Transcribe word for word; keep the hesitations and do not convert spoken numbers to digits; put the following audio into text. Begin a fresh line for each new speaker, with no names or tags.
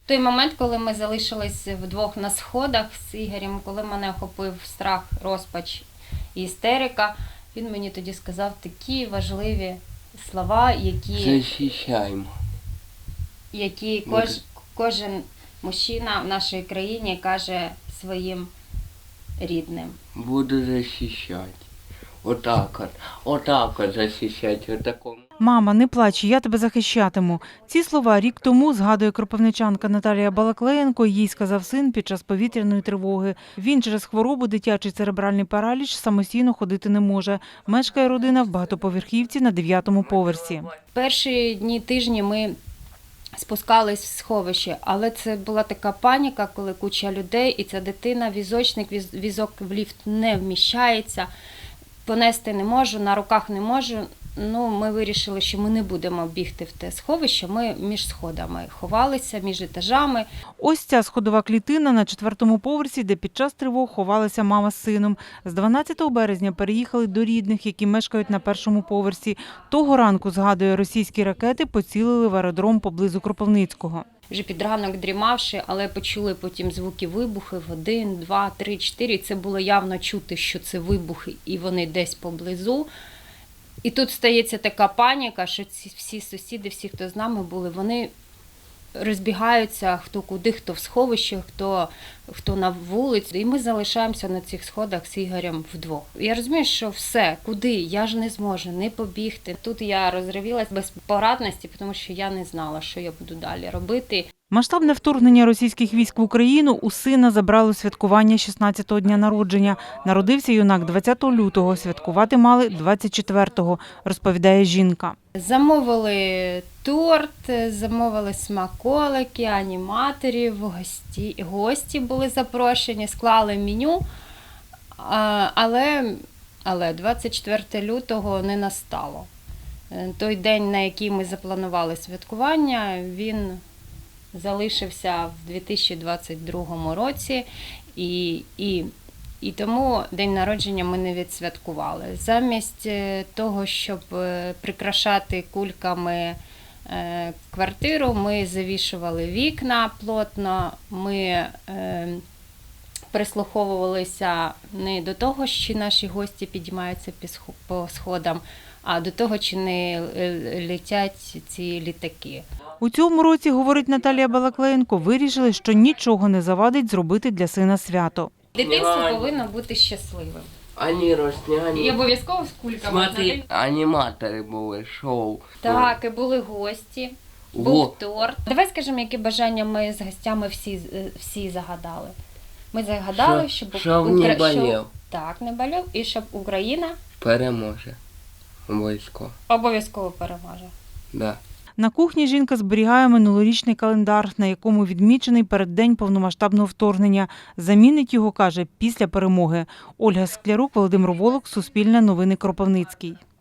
Той момент, коли ми залишились вдвох на сходах з Ігорем, коли мене охопив страх, розпач і істерика, він мені тоді сказав такі важливі слова, які,
Захищаємо.
які кож, кожен мужчина в нашій країні каже своїм рідним.
Буду захищати. Отак от. Отак от захищати. Отакому.
«Мама, не плач, я тебе захищатиму». Ці слова рік тому, згадує кропивничанка Наталія Балаклеєнко, їй сказав син під час повітряної тривоги. Він через хворобу, дитячий церебральний параліч, самостійно ходити не може. Мешкає родина в багатоповерхівці на дев'ятому поверсі.
Перші дні, тижні ми спускались в сховище, але це була така паніка, коли куча людей, і ця дитина, візочник, віз, візок в ліфт не вміщається, понести не можу, на руках не можу. Ну, ми вирішили, що ми не будемо бігти в те сховище, ми між сходами ховалися, між етажами.
Ось ця сходова клітина на четвертому поверсі, де під час тривог ховалася мама з сином. З дванадцятого березня переїхали до рідних, які мешкають на першому поверсі. Того ранку, згадує, російські ракети поцілили в аеродром поблизу Кропивницького.
Вже під ранок дрімавши, але почули потім звуки вибухів, один, два, три, чотири. І це було явно чути, що це вибухи, і вони десь поблизу. І тут стається така паніка, що ці всі сусіди, всі, хто з нами були, вони розбігаються, хто куди, хто в сховище, хто, хто на вулиці. І ми залишаємося на цих сходах з Ігорем вдвох. Я розумію, що все, куди, я ж не зможу не побігти. Тут я розривілась без порадності, тому що я не знала, що я буду далі робити.
Масштабне вторгнення російських військ в Україну у сина забрало святкування шістнадцятого дня народження. Народився юнак двадцятого лютого, святкувати мали двадцять четвертого, розповідає жінка.
Замовили торт, замовили смаколики, аніматорів, гості, гості були запрошені, склали меню, але, але двадцять четвертого лютого не настало. Той день, на який ми запланували святкування, він залишився в дві тисячі двадцять другому році, і, і, і тому день народження ми не відсвяткували. Замість того, щоб прикрашати кульками квартиру, ми завішували вікна плотно, ми прислуховувалися не до того, що наші гості підіймаються по сходам, а до того, чи не летять ці літаки.
У цьому році, говорить Наталія Балаклеєнко, вирішили, що нічого не завадить зробити для сина свято.
Дитинство повинно бути щасливим.
Ані росняні.
І обов'язково з кульками.
Смотри, аніматори були, шоу.
Так, і були гості, був
Во.
торт. Давай скажемо, які бажання ми з гостями всі, всі загадали. Ми загадали,
Що-
щоб,
щоб
Укра-
не болів.
щоб- так, не болів, і щоб Україна
Переможе. Обов'язково.
обов'язково переможе.
Да.
На кухні жінка зберігає минулорічний календар, на якому відмічений переддень повномасштабного вторгнення. Замінить його, каже, після перемоги. Ольга Склярук, Володимир Волок, Суспільне новини, Кропивницький.